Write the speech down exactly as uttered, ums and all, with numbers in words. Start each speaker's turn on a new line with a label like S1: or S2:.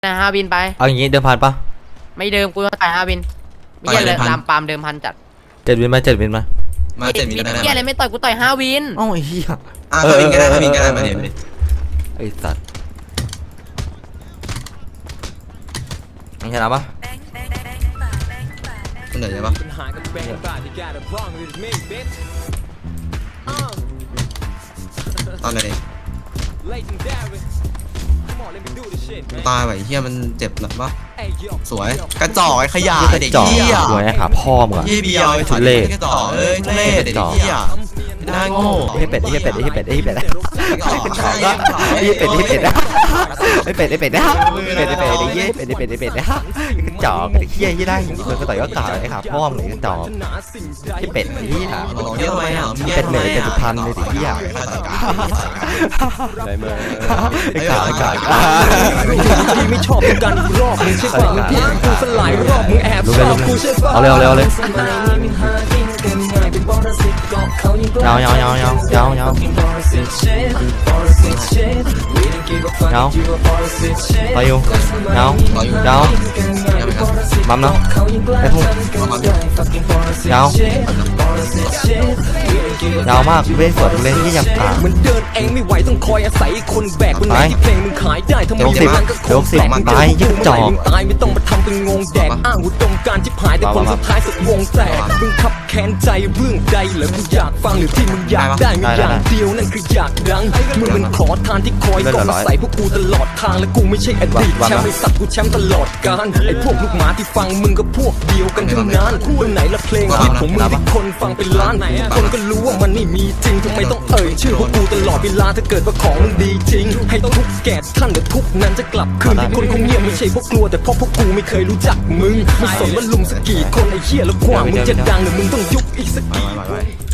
S1: นะฮาวินไป
S2: เอาอย่างงี้เดิมพันปะ
S1: ไม่เดิมกูต้องต่อยฮาวินไม่ใช่เลยลามปามเดิมพันจัด
S2: เจ็ดวินมาเจ็ดวินมา
S3: มาเจ็ดวินก็ได้
S1: เฮียอะไรไม่ต่อยกูต่อยฮาวิน
S2: อ้าวไอ้เหี้ย
S3: อ่ะฮาวินก็ได้ฮาวินก็ได้มาเดี๋ยว
S2: ไอ้สัตว์มึงชนะปะ
S3: มันเหนื่อยใช่ปะตอนไหนตายไปเฮียมันเจ็บหนักปะสวยกระจอกไอ้ขยะเด็กเฮีย
S2: สวยขาพ่อมึงอะ
S3: ยี่เบียวไอ้เล่กระจอกเอ้ยเล่เด็กเฮียน่าโง่
S2: ไอ้เป็ดไอ้เป็ดไอ้เป็ดไอ้เป็ดไอ้เป็ดไอ้เป็ดไอ้เป็ดไอ้เป็ดนะไอ้เป็ดไอ้เป็ดไอ้เหี้ยเป็ดไอ้เป็ดไอ้เป็ดนะกระจอกไอ้เหี้ยยี่ได้คนก็ต่อยก็ต่อยไอ้ขาพ่อมึงกระจอกไอ้เป็ดไอ้เหี้ย
S3: เยอะไหมอ่ะ
S2: เป็ดเหนื่อยเป็ดสุพรรณเลยไอ้เหี้ยไอ้ขาไอ้ขา
S4: ที่ไม่ชอบกันรอบมึงใช่ป่ะมึงพิกูสลายรอบมึงแอบชอบกูใช่ป่ะ
S2: เอาเร็วเร็วเลยยาวยาวยาวยาวยาวยาวยาวไปอยู่ยาวยาวมัมเนาะไอ้พวกยาวยาวมากเว้ยสวนเล่นที่ยังขา
S4: มันเดินเองไม่ไหวต้องคอยอาศัยคนแบกคนไหนที่เพลงมึงขายได้ทำไมอย่างนั้นก็คงตายยึดจอบตายไม่ต้องมาทำเป็นงงแดกอ้างอุดมการที่หายแต่ผลสุดท้ายสุดวงแตกมึงขับแค้นใจเรื่องใดเหรอกูอยากฟังหรือที่มึงอยากได้มีอย่างเดียวนั่นคืออยากดังมึงเป็นขอทานที่คอยก่อใส่พวกกูตลอดทางและกูไม่ใช่อดีตแชมป์ไอ้สัตว์กูแชมป์ตลอดกาลไอ้พวกลูกหมาที่ฟังมึงก็พวกเดียวกันทั้งนั้นตรงไหนละเพลงฮิตของมึงที่คนฟังเป็นล้านคนก็รู้ว่ามันไม่มีจริงทำไมต้องเอ่ยชื่อพวกกูตลอดเวลาถ้าเกิดว่าของมึงดีจริงให้ทุกแก่ท่านเดี๋ยวทุกนั้นจะกลับคืนที่คนคงเงียบไม่ใช่พวกกลัวแต่เพราะพวกกูไม่เคยรู้จักมึงไม่สนว่าลุมสักกี่คนไอ้เหี้ยแล้วกว่ามึงจะดังหรือมึงต้องยุบอีกสักกี่